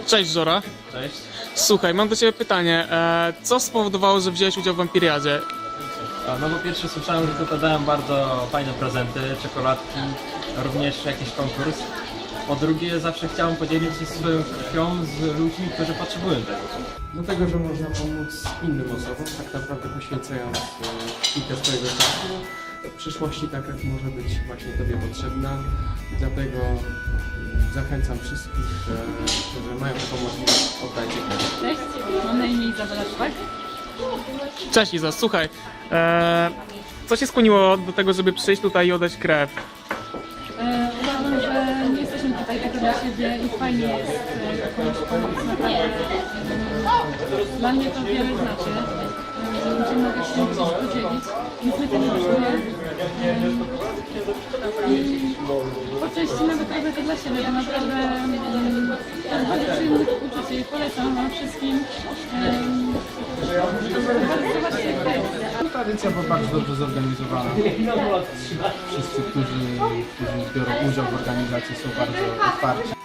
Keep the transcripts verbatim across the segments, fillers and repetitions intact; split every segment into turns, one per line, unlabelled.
Cześć Żora.
Cześć.
Słuchaj, mam do ciebie pytanie. E, co spowodowało, że wziąłeś udział w Wampiriadzie?
A, No po pierwsze słyszałem, że tutaj dają bardzo fajne prezenty, czekoladki, również jakiś konkurs. Po drugie zawsze chciałem podzielić się swoją krwią z ludźmi, którzy potrzebują tego.
Dlatego, że można pomóc innym osobom, tak naprawdę poświęcając e, kilka swojego czasu. W przyszłości ta krew może być właśnie Tobie potrzebna. Dlatego mm, zachęcam wszystkich, e, którzy mają taką możliwość, oddajcie krew.
Cześć, mam na imię Izabela Szpak.
Cześć Iza, słuchaj. E, co cię skłoniło do tego, żeby przyjść tutaj i oddać krew?
E, uważam, że nie jesteśmy tutaj tylko dla siebie i fajnie jest e, jakąś pomoc naprawdę. E, Dla mnie to wiele znaczy, e, że ludzie mogą się gdzieś podzielić. Nic mnie tego kosztuje. I po części nawet robię to dla siebie, bo naprawdę mm, to jest bardzo przyjemne uczucie i polecam wam wszystkim. E, Zobaczcie krew.
Tradycja była bardzo dobrze zorganizowana. Wszyscy, którzy, którzy biorą udział w organizacji, są bardzo otwarci.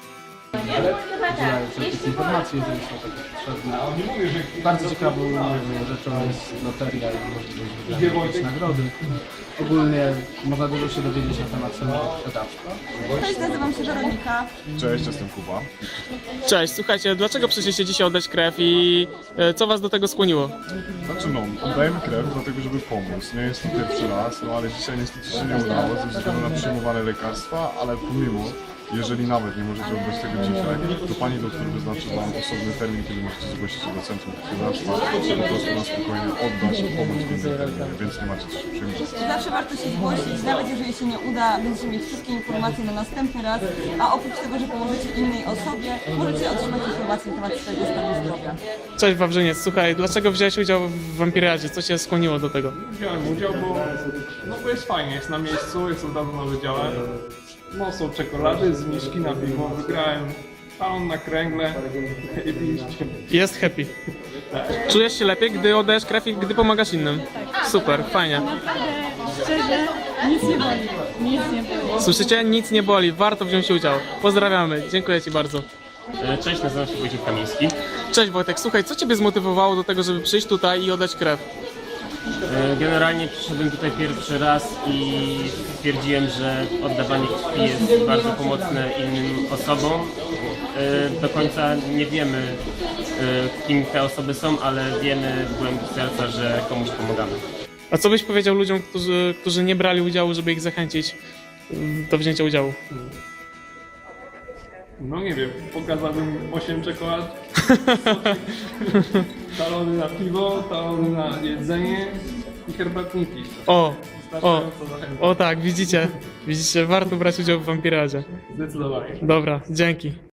Udzielają wszelkich informacji, jeżeli są takie potrzebne. Bardzo ciekawą rzeczą jest loteria i możliwość wygrania jakiejś nagrody. Ogólnie można dużo się dowiedzieć na temat samego sprzedawstwa.
Cześć, nazywam się Weronika.
Cześć, jestem Kuba.
Cześć, słuchajcie, dlaczego przyszliście dzisiaj oddać krew i e, co was do tego skłoniło?
Znaczy no, oddajemy krew dlatego, żeby pomóc. Nie jest to pierwszy raz, no ale dzisiaj niestety się nie udało ze względu na przyjmowane lekarstwa, ale pomimo, jeżeli nawet nie możecie oddać tego dzisiaj, to pani doktor wyznaczy wam osobny termin, kiedy możecie zgłosić się do centrum krwiodawstwa, żeby po prostu na spokojnie oddać i pomóc w innym terminie, więc nie macie co się przejmować.
Zawsze warto się zgłosić, nawet jeżeli się nie uda, będziecie mieć wszystkie informacje na następny raz, a oprócz tego, że pomożecie innej osobie, możecie otrzymać informacje na temat swojego stanu zdrowia.
Cześć Wawrzyniec, słuchaj, dlaczego wziąłeś udział w Wampiriadzie? Co cię skłoniło do tego?
Wziąłem udział, bo, no bo jest fajnie, jest na miejscu, jest od razu na wydziale. No są czekolady, zniżki na piwo, wygrałem talon na kręgle i piliście.
Jest happy. Czujesz się lepiej, gdy oddajesz krew i gdy pomagasz innym? Super, fajnie.
Naprawdę, szczerze, nic nie boli. Nic nie boli.
Słyszycie? Nic nie boli, warto wziąć udział. Pozdrawiamy, dziękuję ci bardzo.
Cześć, nazywam się Wojciech Kamiński.
Cześć Wojtek, słuchaj, co ciebie zmotywowało do tego, żeby przyjść tutaj i oddać krew?
Generalnie przyszedłem tutaj pierwszy raz i stwierdziłem, że oddawanie krwi jest bardzo pomocne innym osobom. Do końca nie wiemy, kim te osoby są, ale wiemy w głębi serca, że komuś pomagamy.
A co byś powiedział ludziom, którzy, którzy nie brali udziału, żeby ich zachęcić do wzięcia udziału?
No nie wiem, pokazałbym osiem czekolad, talony na piwo, talony na jedzenie i herbatniki.
O, o,
Wystarczająco zachęcam.
o tak, widzicie, widzicie, warto brać udział w Wampiradzie.
Zdecydowanie.
Dobra, dzięki.